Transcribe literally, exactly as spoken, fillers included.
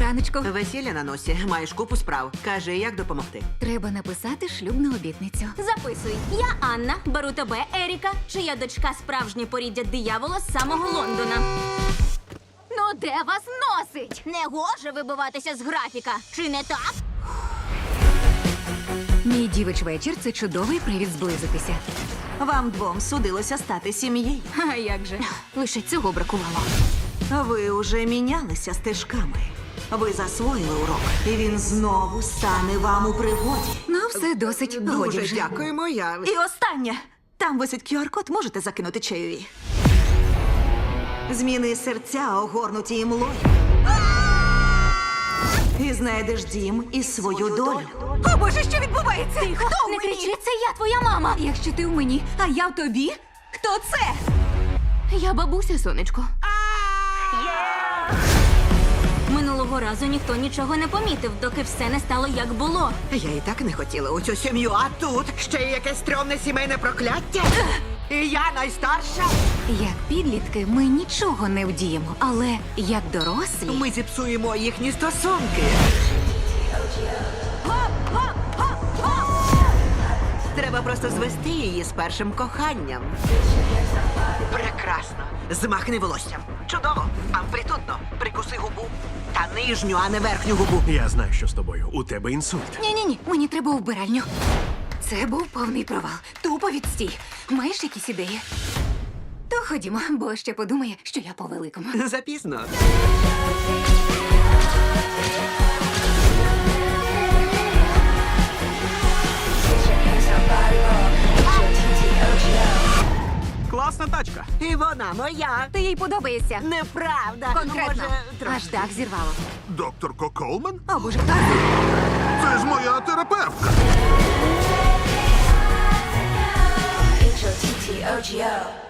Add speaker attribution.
Speaker 1: раночку.
Speaker 2: Весілля на носі, маєш купу справ. Кажи, як допомогти.
Speaker 1: Треба написати шлюбну обітницю.
Speaker 3: Записуй. Я Анна, беру тебе, Еріка, чия дочка справжнє поріддя диявола з самого Лондона.
Speaker 1: Ну де вас носить?
Speaker 3: Не гоже вибиватися з графіка, чи не так?
Speaker 1: Мій дівич вечір – це чудовий привід зблизитися.
Speaker 2: Вам двом судилося стати сім'єю.
Speaker 1: А як же? Лише цього бракувало.
Speaker 2: Ви уже мінялися стежками. Ви засвоїли урок, і він знову стане вам у пригоді.
Speaker 1: Ну, все досить. Годі
Speaker 2: Дуже
Speaker 1: вже.
Speaker 2: дякуємо, я... І останнє. Там висить кю ар код, можете закинути чайові. Зміни серця, огорнуті імлою. І знайдеш дім і свою долю.
Speaker 1: О, Боже, що відбувається?
Speaker 3: Тихо,
Speaker 1: Хто
Speaker 3: не
Speaker 1: в мені?
Speaker 3: кричи, це я, твоя мама.
Speaker 1: Якщо ти в мені, а я в тобі, хто це?
Speaker 3: Я бабуся, сонечко. Минулого разу ніхто нічого не помітив, доки все не стало як було.
Speaker 2: Я і так не хотіла у цю сім'ю, а тут ще й якесь стрьомне сімейне прокляття. І я найстарша.
Speaker 1: Як підлітки ми нічого не вдіємо, але як дорослі...
Speaker 2: Ми зіпсуємо їхні стосунки. Треба просто звести її з першим коханням. Прекрасно. Змахни волоссям. Чудово. Амплітудно. Прикуси губу. Та нижню, а не верхню губу.
Speaker 4: Я знаю, що з тобою. У тебе інсульт.
Speaker 1: Ні-ні-ні, мені треба у вбиральню. Це був повний провал. Тупо відстій. Маєш якісь ідеї? То ходімо, бо ще подумає, що я по-великому.
Speaker 2: Запізно.
Speaker 4: Класна тачка.
Speaker 2: І вона моя.
Speaker 1: Ти їй подобаєшся.
Speaker 2: Неправда.
Speaker 1: Конкретно.
Speaker 2: Може, трохи.
Speaker 1: Аж так зірвало.
Speaker 5: Доктор Колман?
Speaker 1: О, Боже,
Speaker 5: Це ж моя терапевтка.
Speaker 6: H O T T O G O